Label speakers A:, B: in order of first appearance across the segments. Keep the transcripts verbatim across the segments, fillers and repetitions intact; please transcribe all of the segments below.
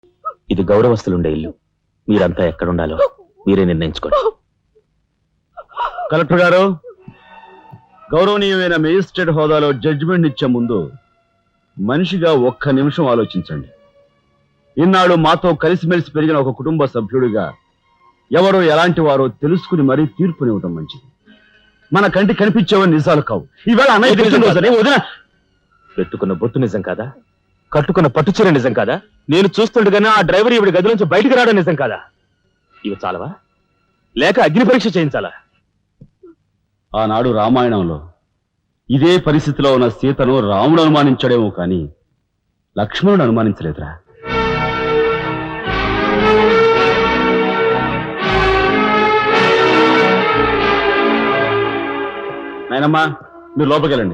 A: ఇది గౌరవస్తులుండే ఇల్లు. మీరంతా ఎక్కడుండాలో మీరే నిర్ణయించుకోండి.
B: కలెక్టర్ గారు, గౌరవనీయమైన మేజిస్ట్రేట్ హోదాలో జడ్జిమెంట్ ఇచ్చే ముందు మనిషిగా ఒక్క నిమిషం ఆలోచించండి. ఇన్నాళ్ళు మాతో కలిసిమెలిసి పెరిగిన ఒక కుటుంబ సభ్యుడిగా ఎవరో ఎలాంటి వారో తెలుసుకుని మరీ తీర్పునివ్వటం మంచిది. మన కంటి కనిపించేవని నిజాలు కావు. ఈవేళ అన్నయ్య పుట్టినరోజని వదిన
A: పెట్టుకున్న బొట్టు నిజం కాదా? కట్టుకున్న పట్టుచీర నిజం కాదా? నేను చూస్తుండగానే ఆ డ్రైవర్ ఇవిడి గది నుంచి బయటికి రావడం నిజం కాదా? ఇవి చాలవా? లేక అగ్ని పరీక్ష చేయించాలా?
B: ఆనాడు రామాయణంలో ఇదే పరిస్థితిలో ఉన్న సీతను రాముడు అనుమానించడేమో కానీ లక్ష్మణుడు అనుమానించలేదురా. నాయనమ్మా, మీరు లోపలికి వెళ్ళండి.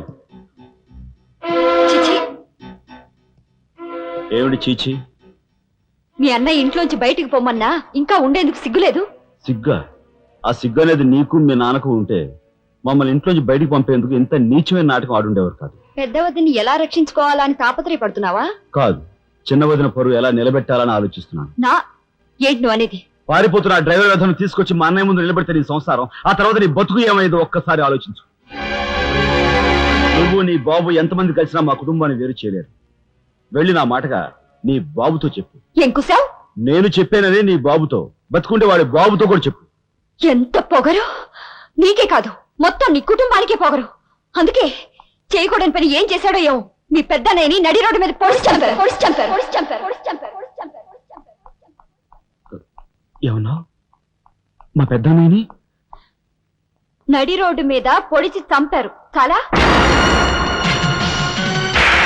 B: ఏమిటి చీచి?
C: మీ అన్నయ్య ఇంట్లోంచి బయటికి పొమ్మన్నా ఇంకా ఉండేందుకు సిగ్గులేదు?
B: సిగ్గా? ఆ సిగ్గు అనేది నీకు మీ నాన్నకు ఉంటే మమ్మల్ని ఇంట్లోంచి బయటికి పంపేందుకు ఇంత నీచమైన నాటకం ఆడుండేవారు కాదు.
C: పెద్ద వదిని ఎలా రక్షించుకోవాలా అని తాపత్రయపడుతున్నావా?
B: కాదు, చిన్న వదిన పరువు ఎలా నిలబెట్టాలని ఆలోచిస్తున్నాను.
C: నా ఏంటి నువ్వు అనేది?
B: పారిపోతున్న డ్రైవర్ వ్యధను తీసుకొచ్చి మా అన్నయ్య ముందు నిలబెడితే నీ సంసారం, ఆ తర్వాత నీ బతుకు ఏమైందో ఒక్కసారి ఆలోచించు. నువ్వు నీ బాబు ఎంతమంది కలిసినా మా కుటుంబాన్ని వేరు చేయలేరు. వెళ్ళి నా మాటగా నీ బాబుతో చెప్పు.
C: ఏం కుసావ్?
B: నేను చెప్పానని నీ బాబుతో, బతుకుంటే వాడి బాబుతో కూడా చెప్పు.
C: ఎంత పొగరు! నీకే కాదు, మొత్తం నీ కుటుంబానికే పొగరు. అందుకే చేయకూడని పని ఏం చేశాడో ఏమో మీ పెద్దనేని నడి రోడ్డు మీద పొడిచి చంపారు పొడిచి చంపారు పొడిచి చంపారు పొడిచి చంపారు పొడిచి చంపారు పొడిచి చంపారు.
B: ఏమన్నా? మా పెద్దనేని
C: నడి రోడ్డు మీద పొడిచి చంపారు. చాలా